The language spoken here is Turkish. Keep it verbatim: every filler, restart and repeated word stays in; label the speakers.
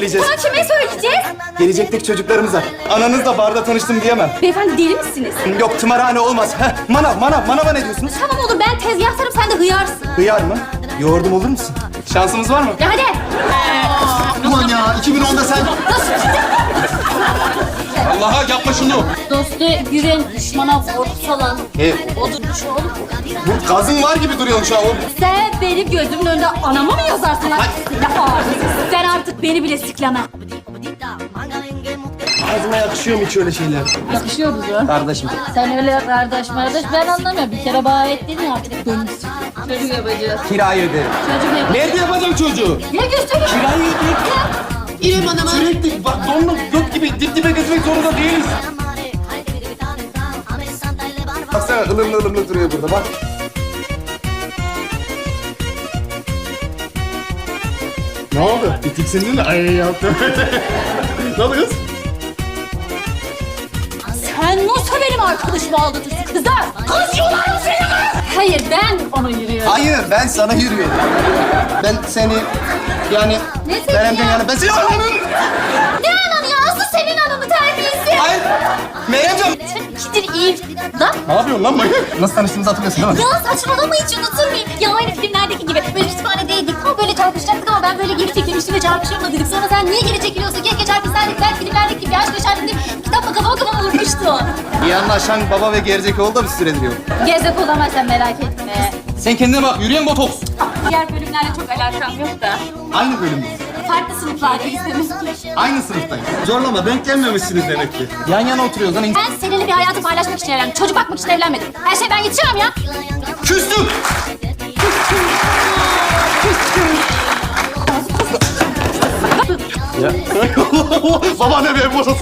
Speaker 1: söyleyeceğiz.
Speaker 2: Bunu kime söyleyeceğiz?
Speaker 1: Gelecekteki çocuklarımıza. Ananızla barda tanıştım diyemem.
Speaker 2: Beyefendi deli misiniz?
Speaker 1: Yok tımarhane olmaz. Heh, manav, manav, manava ne diyorsunuz?
Speaker 2: Tamam olur, ben tezgahtarım, sen de hıyarsın.
Speaker 1: Hıyar mı? Yoğurdum olur musun? Şansımız var mı?
Speaker 2: Ya hadi.
Speaker 3: Ulan ya iki bin onda sen...
Speaker 4: Allah'a yapma şunu.
Speaker 2: Dostu güven, düşmana vur falan.
Speaker 1: E,
Speaker 2: Odurmuş oğlum.
Speaker 1: bu gazın var gibi duruyorsun şu an. O-
Speaker 2: Sen benim gözümün önünde anama mı yazarsın lan? Ya ağzısız. Sen artık beni bile sikleme.
Speaker 1: Ağzıma yakışıyor mu hiç öyle şeyler?
Speaker 2: Yakışıyor bize.
Speaker 1: Kardeşim.
Speaker 2: Sen öyle kardeş kardeş ben anlamıyorum. Bir kere bana ettin ya artık dönmüşsün. Çocuk yapacağız.
Speaker 1: Kirayı öderim.
Speaker 2: Çocuk yapacağız.
Speaker 4: Nerede yapacağım çocuğu?
Speaker 2: Ya göstereyim.
Speaker 1: Kirayı öderim.
Speaker 2: İrem Hanım'a.
Speaker 4: Sürekli bak donla yok gibi dip dibe gezmek zorunda değiliz.
Speaker 1: Baksana ılımlı ılımlı duruyor burada bak.
Speaker 3: Ne oldu? Bir tiksindin de ay yaptım. Ne oldu kız?
Speaker 2: Sen nasıl benim arkadaşımı aldatırsın kızlar? Kız yolar mı seni kız? Hayır ben onu yürüyorum.
Speaker 1: Hayır ben sana yürüyorum. Ben seni yani...
Speaker 2: Ne seni
Speaker 1: Ben hem de
Speaker 2: ya?
Speaker 1: yani ben seni ananın...
Speaker 2: Ne ananı ya? Asıl senin ananı terbiyesi.
Speaker 1: Hayır. Meryemciğim.
Speaker 2: Kidir iyi. Lan
Speaker 3: Ne yapıyorsun lan manyak?
Speaker 1: Nasıl tanıştığımızı hatırlıyorsun değil mi?
Speaker 2: ya saçmalama hiç unutur muyum? Ya aynı filmlerdeki gibi böyle kütüphanedeydik. Tam böyle çarpışacaktık ama ben böyle geri çekilmiştim ve çarpışırma dedik. Sonra sen niye geri çekiliyorsun? Keşke çarpışsaydık. Belki filmlerdeki gibi aşk yaşardık diye kitapla kafama kafama vurmuştu.
Speaker 1: İyi anlaşan baba ve gerizekalı da bir süredir yok.
Speaker 2: Gezek olamazsan merak etme.
Speaker 4: Sen kendine bak, yürüyen botoks.
Speaker 2: Diğer bölümlerle çok alakam yok da.
Speaker 1: Aynı bölümde.
Speaker 2: Farklı sınıflardayız demek ki.
Speaker 1: Aynı sınıftayız.
Speaker 3: Zorlama denk gelmemişsiniz demek ki.
Speaker 1: Yan yana oturuyoruz lan.
Speaker 2: Ben seninle bir hayatı paylaşmak için evlendim. Çocuk bakmak için evlenmedim. Her şey ben yetişemem ya.
Speaker 1: Küstüm.
Speaker 3: Baba ne be boşa